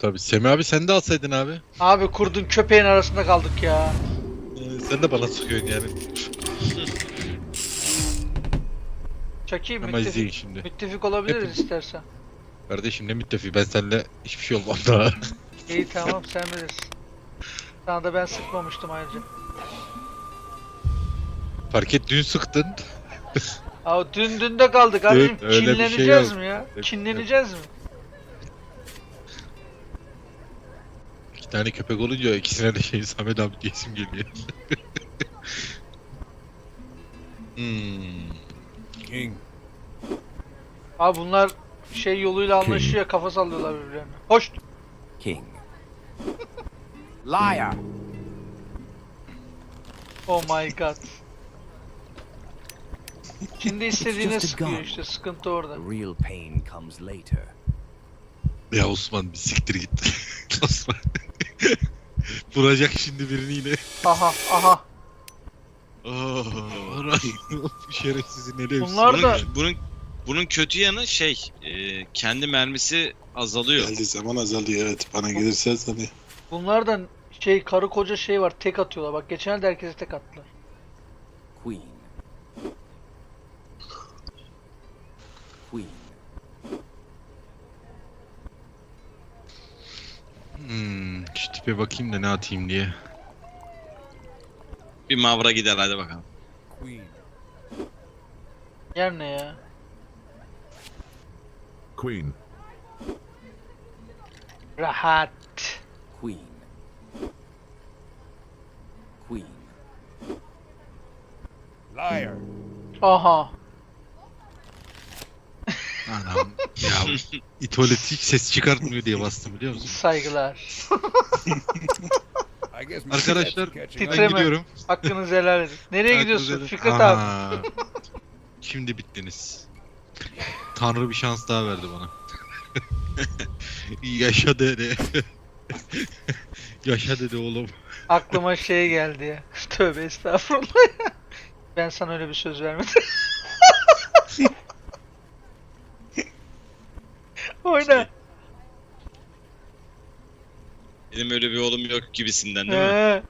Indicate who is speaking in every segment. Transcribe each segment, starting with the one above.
Speaker 1: Tabii Semih abi sen de alsaydın abi.
Speaker 2: Abi kurdun köpeğin arasında kaldık ya.
Speaker 1: Sen de bana sıkıyorsun yani.
Speaker 2: Çaki
Speaker 1: Ama izleyin
Speaker 2: müttefik.
Speaker 1: şimdi.
Speaker 2: Müttefik olabiliriz
Speaker 1: Hepim
Speaker 2: istersen.
Speaker 1: kardeşim ne müttefik, ben seninle hiçbir şey olmam daha.
Speaker 2: İyi tamam sen bilirsin. Sana da ben sıkmamıştım ayrıca.
Speaker 1: Fark et, dün sıktın.
Speaker 2: Abi dün de kaldık abicim.
Speaker 1: Öyle bir şey
Speaker 2: Kinleneceğiz
Speaker 1: yok.
Speaker 2: mi ya?
Speaker 1: Yok.
Speaker 2: Kinleneceğiz mi?
Speaker 1: İki tane köpek olunca ikisine de şey Samet abi diyesim geliyor. hmm.
Speaker 3: King.
Speaker 2: Abi bunlar şey yoluyla anlaşıyor, kafa sallıyorlar birbirlerine. Hoş.
Speaker 3: King. Liar.
Speaker 2: Oh my god. Şimdi istediğine
Speaker 3: just a
Speaker 2: sıkıyor
Speaker 3: gun.
Speaker 2: işte, sıkıntı orada.
Speaker 3: The real pain comes later.
Speaker 1: Ya Osman bir siktir git. Osman. Vuracak şimdi birini yine.
Speaker 2: Aha aha.
Speaker 1: Oh, şerefsizin eli.
Speaker 2: Bunlar da
Speaker 4: Bunun kötü yanı kendi mermisi azalıyor.
Speaker 5: Geldiği zaman azalıyor, evet. Bana gelirse azalıyor.
Speaker 2: bunlardan şey karı koca şey var, tek atıyorlar. Bak geçen de herkese tek attılar.
Speaker 3: Queen. Queen.
Speaker 1: Şu tipe bakayım da ne atayım diye.
Speaker 4: Bir mavra gider hadi bakalım.
Speaker 3: Queen.
Speaker 2: Yer ne ya?
Speaker 6: Queen.
Speaker 2: Rahat.
Speaker 3: Queen. Queen. Liar.
Speaker 2: Aha.
Speaker 1: Anam ya, itolet hiç ses çıkartmıyor diye bastım, biliyor musun?
Speaker 2: Saygılar.
Speaker 3: I guess my
Speaker 1: Arkadaşlar
Speaker 3: cat's catching
Speaker 1: ben
Speaker 3: up.
Speaker 2: Titreme.
Speaker 1: gidiyorum.
Speaker 2: Hakkınızı helal edin. Nereye gidiyorsun
Speaker 1: Hakkınızı-
Speaker 2: Fikret abi?
Speaker 1: Aha. Şimdi bittiniz. Tanrı bir şans daha verdi bana. Yaşa dede. Yaşa dede oğlum.
Speaker 2: Aklıma şey geldi ya. Tövbe estağfurullah ya. Ben sana öyle bir söz vermedim. Oyna.
Speaker 4: Benim öyle bir oğlum yok gibisinden değil mi?
Speaker 2: He.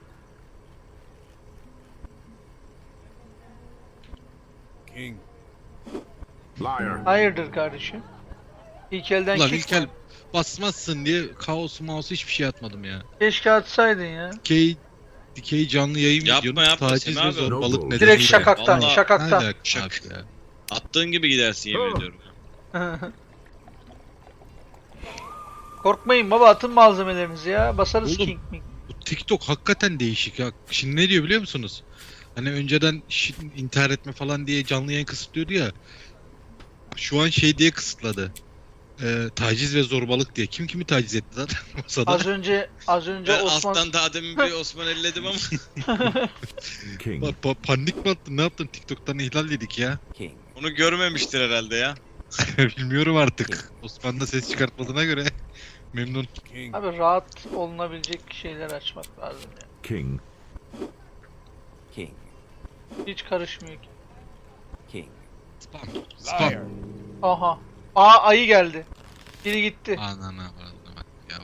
Speaker 3: King.
Speaker 6: Liar.
Speaker 2: Hayırdır kardeşim? İlk elden
Speaker 1: Ulan
Speaker 2: kick
Speaker 1: İlkel
Speaker 2: mi?
Speaker 1: basmazsın diye kaosu mausu hiçbir şey atmadım ya.
Speaker 2: Keşke atsaydın ya.
Speaker 1: Dikey canlı yayın
Speaker 4: Yapma,
Speaker 1: videonun
Speaker 4: yapma
Speaker 1: taciz
Speaker 4: Semih
Speaker 1: ve
Speaker 4: abi.
Speaker 1: zorbalık
Speaker 6: Direkt
Speaker 1: nedeniyle.
Speaker 2: Direkt şakaktan,
Speaker 4: Vallahi-
Speaker 2: şakaktan.
Speaker 1: Ne alaka
Speaker 4: Şak.
Speaker 1: abi ya?
Speaker 4: Attığın gibi gidersin yemin ediyorum.
Speaker 2: Korkmayın baba, atın malzemelerinizi ya. Basarız
Speaker 1: Oğlum.
Speaker 2: King Ming.
Speaker 1: Bu TikTok hakikaten değişik ya. Şimdi ne diyor biliyor musunuz? Hani önceden intihar etme falan diye canlı yayın kısıtlıyordu ya. Şu an şey diye kısıtladı. Taciz ve zorbalık diye. Kim kimi taciz etti lan? Masada.
Speaker 2: Az önce
Speaker 4: Ben
Speaker 2: Osman
Speaker 4: alttan daha demin bir Osman elledim ama
Speaker 6: King.
Speaker 1: Panik mi attın? Ne yaptın? TikTok'tan ihlal yedik ya.
Speaker 3: King.
Speaker 4: onu görmemiştir herhalde ya.
Speaker 1: Bilmiyorum artık. Osman da ses çıkartmadığına göre memnun.
Speaker 3: King.
Speaker 2: abi rahat olunabilecek şeyler açmak lazım ya.
Speaker 6: King.
Speaker 3: King.
Speaker 2: Hiç karışmıyor ki.
Speaker 3: King.
Speaker 1: Spam.
Speaker 3: Liar.
Speaker 1: Spam.
Speaker 2: Aha. Aa ayı geldi. Biri gitti.
Speaker 1: Anana bak ya.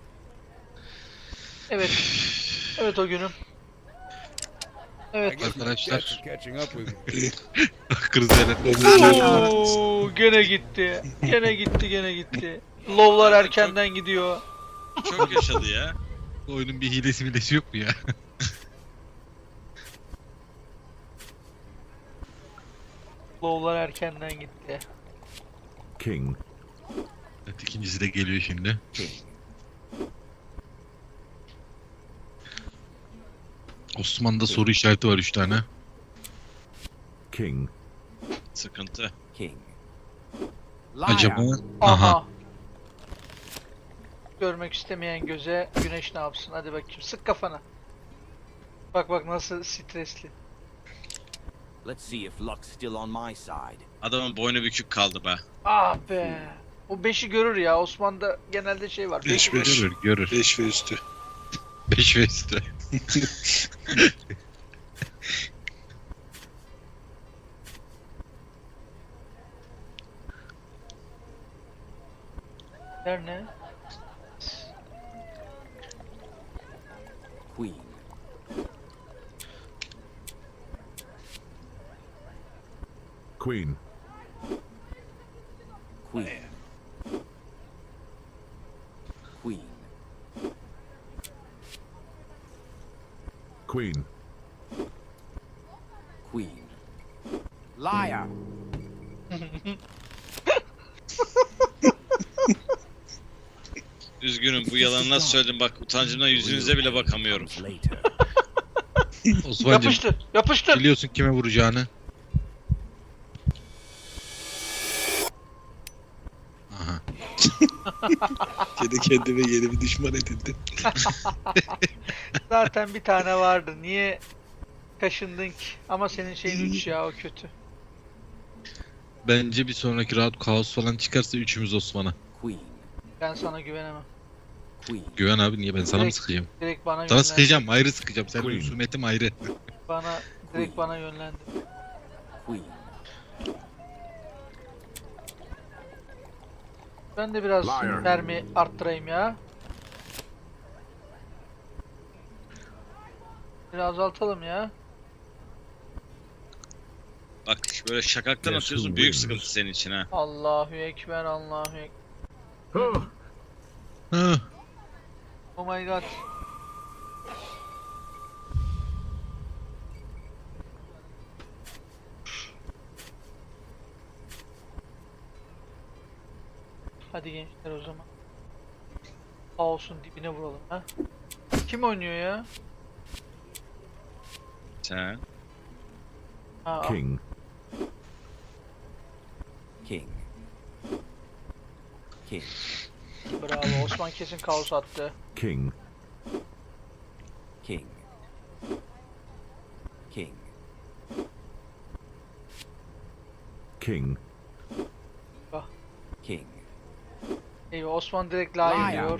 Speaker 2: Evet. Evet o günüm.
Speaker 3: I
Speaker 2: Evet.
Speaker 3: guess my
Speaker 1: Arkadaşlar.
Speaker 3: cats are catching up with me.
Speaker 1: Kriz yönetmeni.
Speaker 2: Oo, gene gitti. Gene gitti, gene gitti. Lovlar erkenden gidiyor.
Speaker 4: Çok yaşadı ya.
Speaker 1: Oyunun bir hilesi yok mu ya?
Speaker 2: Lovlar erkenden gitti.
Speaker 6: King.
Speaker 1: Evet, ikincisi de geliyor şimdi.
Speaker 3: King.
Speaker 1: Osman'da soru işareti var 3 tane.
Speaker 6: King.
Speaker 4: Sıkıntı.
Speaker 3: King. Liar.
Speaker 1: Acaba?
Speaker 2: Aha.
Speaker 1: Aha.
Speaker 2: Görmek istemeyen göze güneş ne yapsın? Hadi bakayım. Sık kafana. Bak bak nasıl stresli.
Speaker 3: Let's see if luck's still on my side.
Speaker 4: Adamın boynu bükük kaldı be.
Speaker 2: Ah be. O 5'i görür ya. Osman'da genelde şey var. 5'i
Speaker 5: 5-5.
Speaker 2: görür.
Speaker 1: Görür.
Speaker 5: 5 ve üstü.
Speaker 1: 5 ve üstü.
Speaker 2: Der ne?
Speaker 3: Queen.
Speaker 6: Queen.
Speaker 3: Queen. Queen.
Speaker 6: Queen.
Speaker 3: Queen. Liar.
Speaker 4: Üzgünüm bu yalanı nasıl söyledim bak utancımdan yüzünüze bile bakamıyorum.
Speaker 3: Later.
Speaker 1: Osman'cım
Speaker 2: Yapıştır. Yapıştır.
Speaker 1: biliyorsun kime vuracağını. Aha.
Speaker 5: Kendi kendime yeni bir düşman edindim.
Speaker 2: Zaten bir tane vardı. Niye kaşındın ki? Ama senin şeyin 3 ya, o kötü.
Speaker 1: Bence bir sonraki round kaos falan çıkarsa üçümüz Osman'a.
Speaker 3: Queen.
Speaker 2: Ben sana güvenemem.
Speaker 3: Queen.
Speaker 1: Güven abi, niye ben sana mı
Speaker 2: Direkt-
Speaker 1: sıkacağım?
Speaker 2: Direkt bana
Speaker 1: Sana
Speaker 2: yönlendi.
Speaker 1: sıkacağım, ayrı sıkacağım. Senin
Speaker 6: Queen.
Speaker 1: husumetim ayrı.
Speaker 2: Direkt bana yönlendi.
Speaker 3: Queen.
Speaker 2: Ben de biraz
Speaker 6: Liar.
Speaker 2: mermi arttırayım ya. Biraz azaltalım ya.
Speaker 4: Bak böyle şakaktan
Speaker 6: Yes,
Speaker 4: atıyorsun
Speaker 6: who
Speaker 4: büyük
Speaker 6: wins?
Speaker 4: sıkıntı senin için ha.
Speaker 2: Allahu Ekber, Allahu Ekber.
Speaker 6: Oh,
Speaker 1: Hı.
Speaker 2: Oh my god. Hadi gençler o zaman. Kaosun dibine vuralım ha. Kim oynuyor ya?
Speaker 4: Sen.
Speaker 2: Ha,
Speaker 6: King.
Speaker 3: King. King.
Speaker 2: bravo. Osman kesin kaos attı.
Speaker 6: King.
Speaker 3: King. King.
Speaker 6: King.
Speaker 3: King.
Speaker 2: Eyvah, Osman direkt liar
Speaker 3: Liar.
Speaker 2: diyor.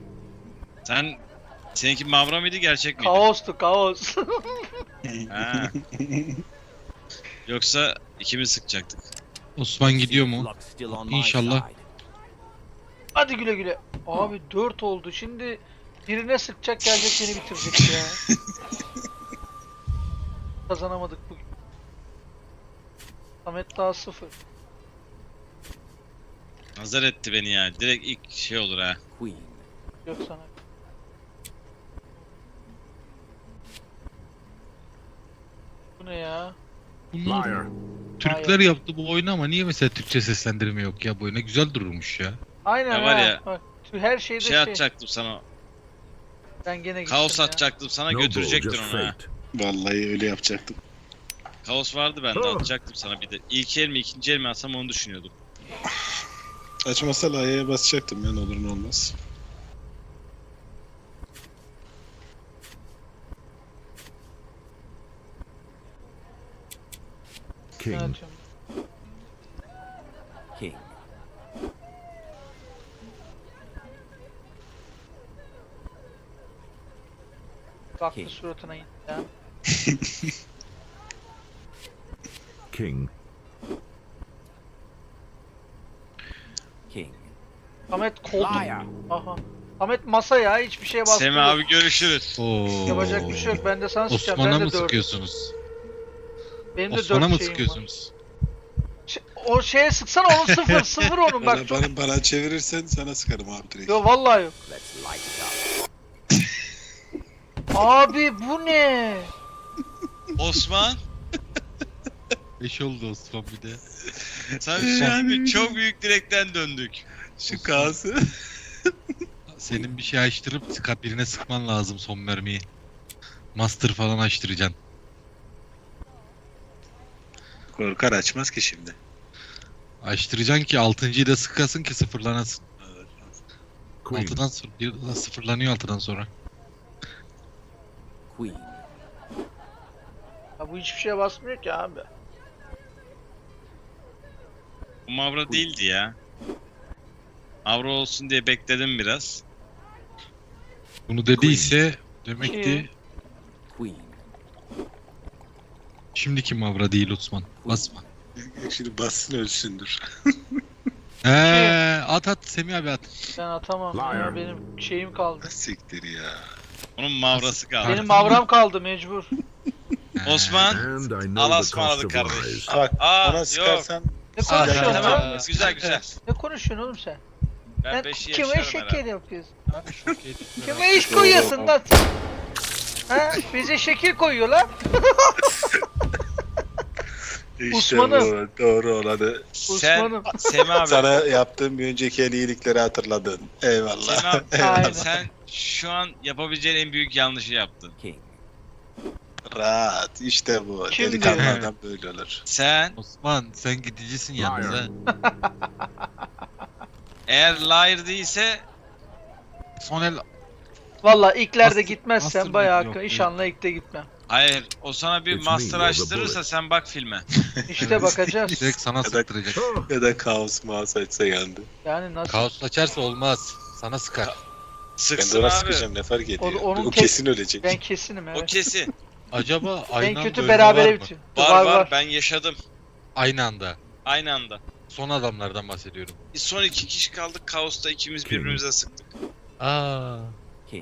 Speaker 4: Seninki Mavra mıydı gerçek miydi?
Speaker 2: Kaostu, kaos.
Speaker 4: Ha. Yoksa ikimiz sıkacaktık.
Speaker 1: Osman gidiyor mu?
Speaker 3: Luck still on my
Speaker 1: İnşallah.
Speaker 3: side.
Speaker 2: Hadi güle güle. Abi 4 oldu. Şimdi birine sıkacak, gelecek beni bitirecek ya. Kazanamadık bugün. Samet daha 0.
Speaker 4: Nazar etti beni ya. Direkt ilk şey olur ha.
Speaker 3: Queen.
Speaker 2: Yok sana. Bu ne ya?
Speaker 1: Bunlar
Speaker 6: Liar.
Speaker 1: Türkler yaptı bu oyunu ama niye mesela Türkçe seslendirme yok ya bu oyuna? Güzel dururmuş ya.
Speaker 2: Aynen
Speaker 4: Ya var
Speaker 2: ha.
Speaker 4: ya,
Speaker 2: Bak, her şeyde
Speaker 4: Şey atacaktım sana.
Speaker 2: Ben gene gittim
Speaker 4: Kaos
Speaker 2: ya.
Speaker 4: atacaktım sana
Speaker 6: Noble,
Speaker 4: götürecektin
Speaker 6: just
Speaker 4: onu ha.
Speaker 6: fate.
Speaker 5: Vallahi öyle yapacaktım.
Speaker 4: Kaos vardı bende
Speaker 6: Oh.
Speaker 4: atacaktım sana bir de. İlk el mi ikinci el mi atsam onu düşünüyordum.
Speaker 5: Açmasa layaya basacaktım ya, ne olur ne olmaz.
Speaker 2: Ben
Speaker 6: King.
Speaker 2: atıyorum.
Speaker 3: King.
Speaker 2: Baktı
Speaker 3: King.
Speaker 2: suratına indi ya.
Speaker 6: King.
Speaker 3: King.
Speaker 2: Samet koltuk.
Speaker 3: Liar.
Speaker 2: Aha. Samet masa ya, hiçbir şeye bastı.
Speaker 4: Semih abi görüşürüz.
Speaker 1: Oo.
Speaker 2: Yapacak bir şey yok. Ben de sana sıkacağım.
Speaker 1: Osman'a
Speaker 2: Ben de
Speaker 1: mı
Speaker 2: 4.
Speaker 1: sıkıyorsunuz?
Speaker 2: Benim de
Speaker 1: Osman'a
Speaker 2: 4
Speaker 1: mı
Speaker 2: şeyim var.
Speaker 1: sıkıyorsunuz?
Speaker 2: O şeye sıksana, onun 0. 0 onun bak.
Speaker 5: Bana çevirirsen sana sıkarım abi direkt.
Speaker 2: Yo vallahi yok.
Speaker 3: Let's light it up.
Speaker 2: Abi bu ne?
Speaker 4: Osman,
Speaker 1: 5 oldu Osman bir de.
Speaker 4: sen şimdi çok büyük direkten döndük.
Speaker 5: Şu kaosu.
Speaker 1: Senin bir şey açtırıp birine sıkman lazım son mermiyi. Master falan açtıracaksın.
Speaker 5: Korkar, açmaz ki şimdi.
Speaker 1: Açtıracaksın ki 6.'yı da sıkasın ki sıfırlanasın.
Speaker 6: Queen.
Speaker 1: 6'dan sonra bir de sıfırlanıyor 6'dan sonra.
Speaker 3: Queen.
Speaker 2: Ya bu hiçbir şeye basmıyor ki abi.
Speaker 4: Bu Mavra değildi ya. Mavra olsun diye bekledim biraz.
Speaker 1: Bunu dediyse demek ki
Speaker 3: Queen.
Speaker 1: şimdiki Mavra değil Osman. Basma.
Speaker 5: Şimdi bassın ölsündür.
Speaker 1: At Semih abi at.
Speaker 2: Ben atamam ya,
Speaker 6: Liar.
Speaker 2: benim şeyim kaldı.
Speaker 5: Siktir ya.
Speaker 4: Onun mavrası kaldı.
Speaker 2: Benim mavram kaldı mecbur.
Speaker 4: Osman.
Speaker 6: And I know
Speaker 4: Allah'a
Speaker 6: the cost
Speaker 4: ısmarladık
Speaker 6: of
Speaker 4: kardeş.
Speaker 6: lies.
Speaker 5: Bak
Speaker 4: Aa,
Speaker 5: bana
Speaker 4: yok.
Speaker 5: sıkarsan
Speaker 2: Ne konuşuyorsun
Speaker 4: Tamam.
Speaker 2: lan?
Speaker 4: Güzel güzel.
Speaker 2: Ne konuşuyorsun oğlum sen?
Speaker 4: Ben
Speaker 2: Sen
Speaker 4: 5'i
Speaker 2: kime
Speaker 4: yaşarım
Speaker 2: şeker
Speaker 4: herhalde.
Speaker 2: yapıyorsun?
Speaker 1: Abi şok ettim.
Speaker 2: Kime iş koyuyorsun lan sen? Ha? Bize şekil koyuyor lan.
Speaker 5: işte
Speaker 2: Usman'ım.
Speaker 5: bu doğru olanı.
Speaker 4: Sen
Speaker 2: Osman'ım.
Speaker 4: Semih abi.
Speaker 5: Sana yaptığım bir önceki en iyilikleri hatırladın. Eyvallah.
Speaker 4: Semih abi.
Speaker 2: Aynen.
Speaker 4: Sen şu an yapabileceğin en büyük yanlışı yaptın.
Speaker 3: King.
Speaker 5: Rahat. İşte bu.
Speaker 2: Kim
Speaker 5: Delikanlı adam böyle olur.
Speaker 4: Sen
Speaker 1: Osman sen gidicisin yalnız ha.
Speaker 4: eğer liar değilse
Speaker 1: Son el
Speaker 2: Valla ilklerde
Speaker 1: Master-
Speaker 2: gitmezsen
Speaker 1: Master
Speaker 2: bayağı
Speaker 1: yok, yok.
Speaker 2: inşallah ilkte gitmem.
Speaker 4: hayır o sana bir
Speaker 6: It's me,
Speaker 4: master
Speaker 6: you're the
Speaker 4: açtırırsa
Speaker 6: bullet.
Speaker 4: sen bak filme.
Speaker 2: İşte bakacağız.
Speaker 1: direkt sana sıktıracak.
Speaker 6: Oh,
Speaker 5: Ya da kaos muhas açsa yandı.
Speaker 2: Yani nasıl?
Speaker 1: Kaos açarsa olmaz. Sana sıkar.
Speaker 5: Ben de
Speaker 4: Sıksın
Speaker 5: ona
Speaker 4: abi.
Speaker 5: sıkacağım ne fark ediyor.
Speaker 2: onun
Speaker 5: O
Speaker 2: tek-
Speaker 5: kesin ölecek.
Speaker 2: Ben kesinim
Speaker 4: O
Speaker 2: evet.
Speaker 4: kesin.
Speaker 1: Acaba aynı
Speaker 2: En
Speaker 1: anda
Speaker 2: kötü
Speaker 1: ölme var
Speaker 2: berabere
Speaker 1: mı?
Speaker 2: bitiyor.
Speaker 4: Var ben yaşadım.
Speaker 1: Aynı anda.
Speaker 4: Aynı anda.
Speaker 1: Son adamlardan bahsediyorum.
Speaker 4: Son 2 kişi kaldık kaosta ikimiz birbirimize sıktık.
Speaker 1: Aa.
Speaker 3: King.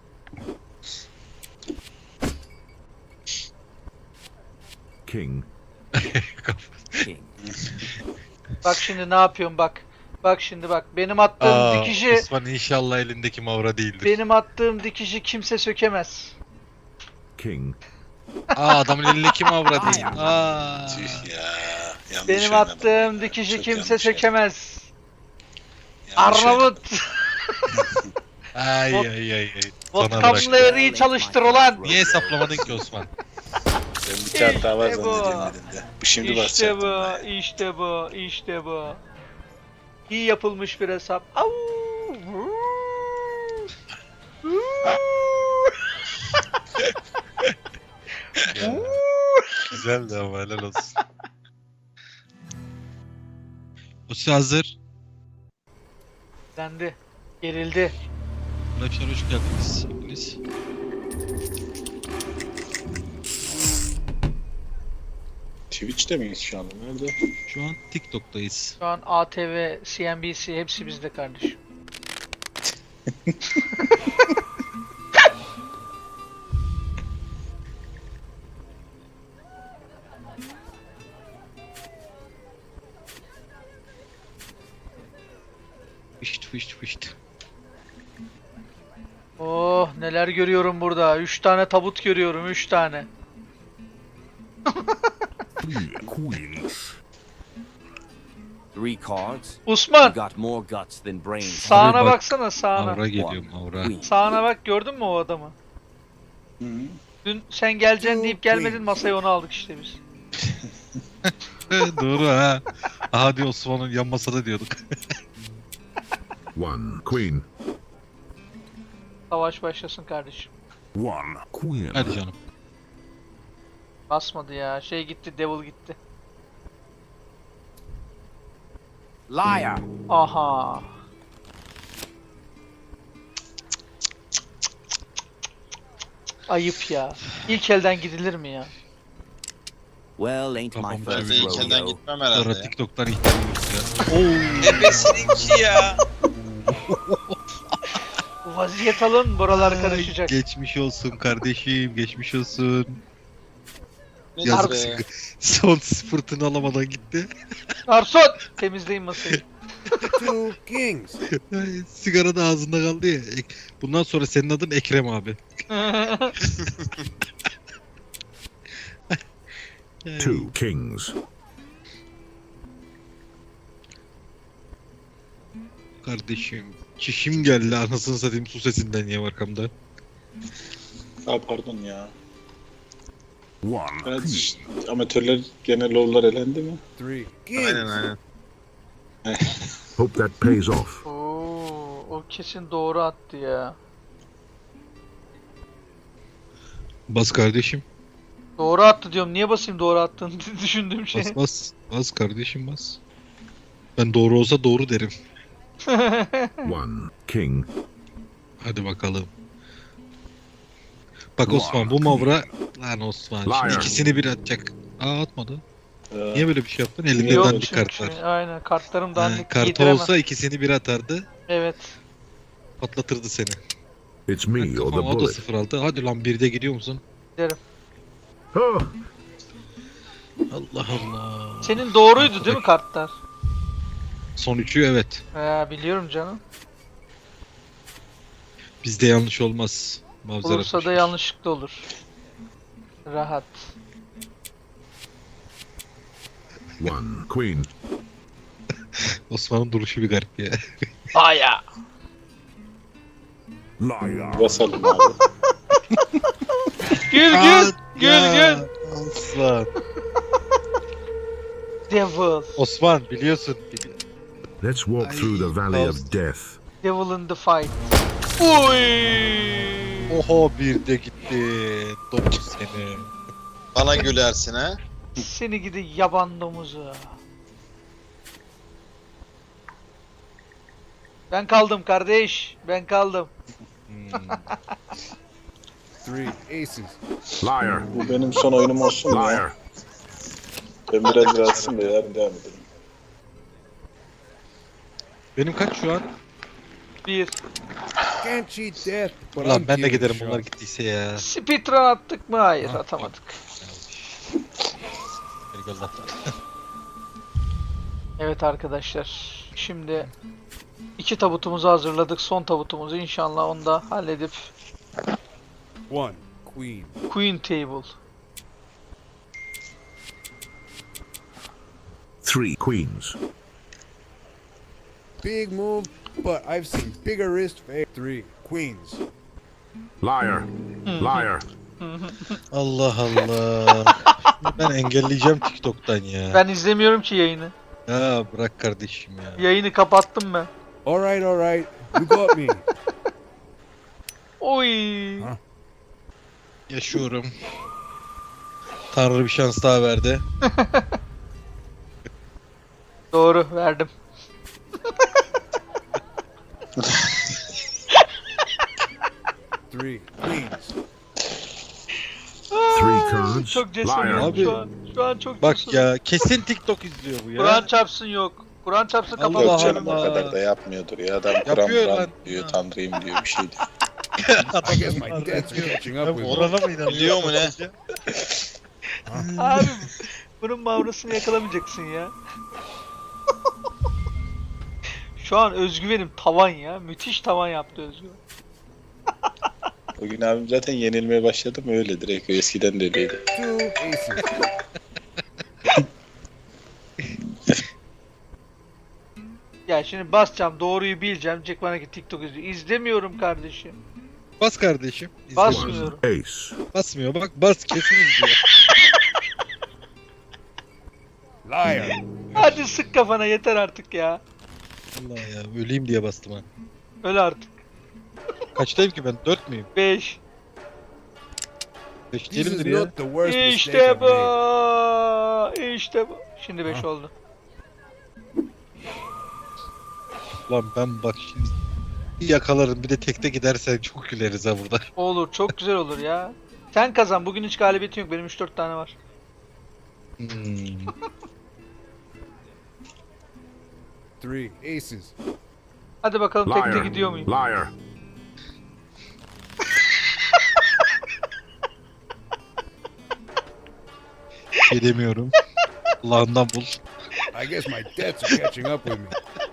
Speaker 6: King.
Speaker 3: King.
Speaker 2: Bak şimdi ne yapıyorum bak. Bak şimdi bak. Benim attığım dikişi
Speaker 1: Osman inşallah elindeki mavra değildir.
Speaker 2: benim attığım dikişi kimse sökemez.
Speaker 6: King.
Speaker 1: Adamın elindeki mavra değil.
Speaker 5: Tüh ya. Yanlış
Speaker 2: Benim
Speaker 5: oynadım
Speaker 2: attığım
Speaker 5: ya.
Speaker 2: dikişi
Speaker 5: Çok
Speaker 2: kimse
Speaker 5: yanlış
Speaker 2: sökemez.
Speaker 5: Yanlış
Speaker 2: Arnavut.
Speaker 1: Ay
Speaker 2: Vot-
Speaker 1: ay ay ay. Sana bırak.
Speaker 2: Vodkamları çalıştır ulan.
Speaker 1: Niye hesaplamadın ki Osman?
Speaker 5: Ben bir kağıt daha var
Speaker 2: İşte bu.
Speaker 5: zannediyorum elimde. Bu şimdi
Speaker 2: İşte
Speaker 5: basacaktım.
Speaker 2: bu,
Speaker 5: ben.
Speaker 2: işte bu, işte bu. İyi yapılmış bir hesap. Au!
Speaker 1: Güzeldi ama helal olsun. Osman hazır.
Speaker 2: Dendi. Gerildi.
Speaker 1: Arkadaşlar hoş geldiniz. Hepiniz.
Speaker 5: Twitch'te miyiz şu anda? Nerede?
Speaker 1: Şu an TikTok'tayız.
Speaker 2: Şu an ATV, CNBC hepsi bizde kardeşim.
Speaker 1: Fışt fışt fışt.
Speaker 2: Oh neler görüyorum burada. 3 tane tabut görüyorum 3 tane.
Speaker 6: Queens.
Speaker 3: 3 cards. You
Speaker 2: Osman
Speaker 3: got more guts than brains.
Speaker 2: sağına
Speaker 1: Abi bak,
Speaker 2: baksana sağına.
Speaker 1: Mavra geliyor mavra.
Speaker 3: Queen.
Speaker 2: Sağına bak gördün mü o adamı?
Speaker 5: Hı -hı.
Speaker 2: Dün sen geleceksin deyip gelmedin masaya onu aldık işte biz.
Speaker 1: Doğru ha. Hadi Osman'ın yan masada diyorduk.
Speaker 6: One. Queen.
Speaker 2: Savaş başlasın kardeşim.
Speaker 6: One. Queen.
Speaker 1: Hadi canım.
Speaker 2: Basmadı ya. Şey gitti, Devil gitti.
Speaker 3: Liar.
Speaker 2: Aha. Ayıp ya. İlk elden gidilir mi ya?
Speaker 3: Well, ain't my
Speaker 1: Kafamda
Speaker 4: Ben
Speaker 3: first
Speaker 4: de ilk elden
Speaker 3: rodeo.
Speaker 4: gitmem
Speaker 1: Sonra
Speaker 4: herhalde ya.
Speaker 1: TikTok'tan ihtiyaç ya.
Speaker 4: Ebesininki ya.
Speaker 2: Vaziyet alın, buralar karışacak.
Speaker 1: Geçmiş olsun kardeşim, geçmiş olsun.
Speaker 4: Ne
Speaker 1: Yazık
Speaker 4: be?
Speaker 1: son fırtına alamadan gitti.
Speaker 2: Garson! Temizleyin masayı.
Speaker 3: Two kings.
Speaker 1: Sigara da ağzında kaldı ya. Bundan sonra senin adın Ekrem abi.
Speaker 6: Two kings.
Speaker 1: Kardeşim. Çişim geldi anasını satayım su sesinden ya arkamda.
Speaker 5: Aa pardon ya.
Speaker 6: One.
Speaker 5: Evet,
Speaker 6: Queen.
Speaker 5: amatörler gene low'lar elendi mi?
Speaker 3: Three
Speaker 4: Aynen aynen.
Speaker 6: Hope that pays off.
Speaker 2: Oo, o kesin doğru attı ya.
Speaker 1: Bas kardeşim.
Speaker 2: Doğru attı diyorum. Niye basayım doğru attığını düşündüğüm şey.
Speaker 1: Bas bas. Bas kardeşim bas. Ben doğru olsa doğru derim.
Speaker 6: One. King.
Speaker 1: Hadi bakalım. Bak Osman bu mavra lan Osman şimdi
Speaker 6: Liar.
Speaker 1: ikisini bir atacak. Aa atmadı.
Speaker 5: Ee,
Speaker 1: Niye böyle bir şey yaptın? Elinde
Speaker 2: Yok
Speaker 1: dandik
Speaker 2: çünkü.
Speaker 1: kart var.
Speaker 2: Aynen kartlarım dandik
Speaker 1: Kartı
Speaker 2: giydiremem.
Speaker 1: olsa ikisini bir atardı.
Speaker 2: Evet.
Speaker 1: Patlatırdı seni.
Speaker 6: It's me or the
Speaker 1: Kafam o da
Speaker 6: bullet.
Speaker 1: 06. Hadi lan 1'de gidiyor musun?
Speaker 2: Giderim.
Speaker 6: Oh,
Speaker 1: Allah Allah.
Speaker 2: Senin doğruydu değil mi kartlar?
Speaker 1: Son 3'ü evet.
Speaker 2: Biliyorum canım.
Speaker 1: Bizde yanlış olmaz. Mavzer
Speaker 2: Olursa da
Speaker 1: atmışız.
Speaker 2: yanlışlıkla olur. Rahat.
Speaker 6: one. Queen.
Speaker 1: Osman'ın duruşu bir garip ya.
Speaker 2: Aya.
Speaker 6: Liar.
Speaker 5: Basalım abi.
Speaker 2: Gül.
Speaker 1: Osman.
Speaker 2: Devil.
Speaker 1: Osman biliyorsun.
Speaker 6: Let's walk
Speaker 1: Ay,
Speaker 6: through the valley
Speaker 1: Faust.
Speaker 6: of death.
Speaker 2: Devil in the fight. Uy.
Speaker 1: Oho 1'de gitti. Domuz seni.
Speaker 7: Bana gülersin ha.
Speaker 2: Seni gidi yaban domuzu. Ben kaldım kardeş. Ben kaldım.
Speaker 8: Three aces.
Speaker 6: Liar.
Speaker 5: Bu benim son oyunum olsun mu ya?
Speaker 6: Liar.
Speaker 5: Ben biraz rahatsızım da yarın devam edelim.
Speaker 1: Benim kaç şu an?
Speaker 2: 1.
Speaker 8: Can't cheat death, but
Speaker 1: Ulan
Speaker 8: I'm
Speaker 1: ben de
Speaker 8: giving
Speaker 1: giderim
Speaker 8: it a
Speaker 1: bunlar
Speaker 8: shot.
Speaker 1: gittiyse ya.
Speaker 2: Speedrun attık mı? Hayır, atamadık.
Speaker 1: Eyvallah.
Speaker 2: Evet arkadaşlar. Şimdi 2 tabutumuzu hazırladık. Son tabutumuzu inşallah onu da halledip
Speaker 8: One queen.
Speaker 2: Queen Table.
Speaker 6: Three queens.
Speaker 8: Big move, but I've seen bigger wrist. Three queens.
Speaker 6: Liar. Liar.
Speaker 1: Allah Allah. Şimdi ben engelleyeceğim TikTok'tan ya.
Speaker 2: Ben izlemiyorum ki yayını.
Speaker 1: Ya bırak kardeşim ya.
Speaker 2: Yayını kapattım ben.
Speaker 8: All right. You got me.
Speaker 2: Oy.
Speaker 1: Yaşıyorum. Tanrı bir şans daha verdi.
Speaker 2: Doğru verdim.
Speaker 8: Three queens.
Speaker 6: Three cards.
Speaker 2: Çok cesurum
Speaker 6: Liar.
Speaker 1: Abi.
Speaker 2: şu an. Şu an çok
Speaker 1: Bak
Speaker 2: cesurum.
Speaker 1: ya kesin TikTok izliyor bu ya.
Speaker 2: Kur'an çarpsın yok. Kur'an çarpsın
Speaker 1: Allah
Speaker 5: Yok
Speaker 2: kapatalım.
Speaker 5: canım o
Speaker 1: Allah.
Speaker 5: kadar da yapmıyordur ya. Adam
Speaker 1: Yapıyor
Speaker 5: Kur'an
Speaker 1: lan.
Speaker 5: diyor, Tanrıyım diyor bir şey diyor.
Speaker 8: I guess my debts are catching up with me.
Speaker 1: Orana mı inanıyorsun?
Speaker 7: Biliyor mu ne?
Speaker 2: Abi bunun mavrasını yakalamayacaksın ya. Şu an özgüvenim tavan ya. Müthiş tavan yaptı özgüven.
Speaker 5: Bugün abim zaten yenilmeye başladı mı öyle direkt. Eskiden de öyleydi.
Speaker 8: Two aces.
Speaker 2: Ya şimdi basacağım, doğruyu bileceğim. Diyecek bana ki TikTok izliyor. İzlemiyorum kardeşim.
Speaker 1: Bas kardeşim. İzle.
Speaker 2: Basmıyorum.
Speaker 6: Ace.
Speaker 1: Basmıyor bak bas kesin izliyor.
Speaker 8: Liar.
Speaker 2: Hadi sık kafana yeter artık ya.
Speaker 1: Allah ya öleyim diye bastım ha.
Speaker 2: Öl artık.
Speaker 1: Kaçtayım ki ben? 4 müyüm?
Speaker 2: 5.
Speaker 1: 5
Speaker 8: This is
Speaker 1: değilimdir ya.
Speaker 8: not the worst mistake
Speaker 2: İşte
Speaker 8: I've
Speaker 2: bu.
Speaker 8: made.
Speaker 2: İşte bu. Şimdi 5 oldu.
Speaker 1: Lan ben bak şimdi bir yakalarım bir de tekte gidersen çok güleriz ha burada.
Speaker 2: Olur, çok güzel olur ya. Sen kazan. Bugün hiç galibiyetin yok. Benim 3-4 tane var.
Speaker 8: Three aces.
Speaker 2: Hadi bakalım tekte
Speaker 6: Liar.
Speaker 2: gidiyor muyum?
Speaker 6: Liar.
Speaker 1: Şey demiyorum. Allah'ından bul.
Speaker 8: I guess my debts are catching up with me.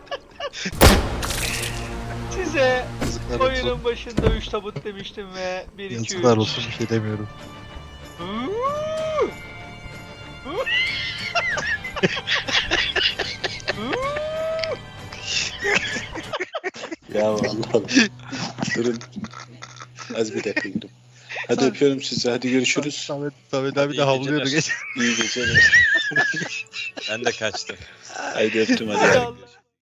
Speaker 2: Size
Speaker 1: Yazıklar olsun.
Speaker 2: oyunun başında 3 tabut demiştim ve 1 2 3.
Speaker 1: Yazıklar olsun bir şey demiyorum.
Speaker 5: Ya vallahi. Durun. Az bir dakika gidim. Hadi öpüyorum sizi. Hadi görüşürüz.
Speaker 1: Samet abi de
Speaker 4: İyi
Speaker 1: havlıyordu
Speaker 4: geceler.
Speaker 1: geç.
Speaker 5: İyi geceler.
Speaker 4: Ben de kaçtım.
Speaker 5: Haydi öptüm hadi.
Speaker 2: Hadi Allah.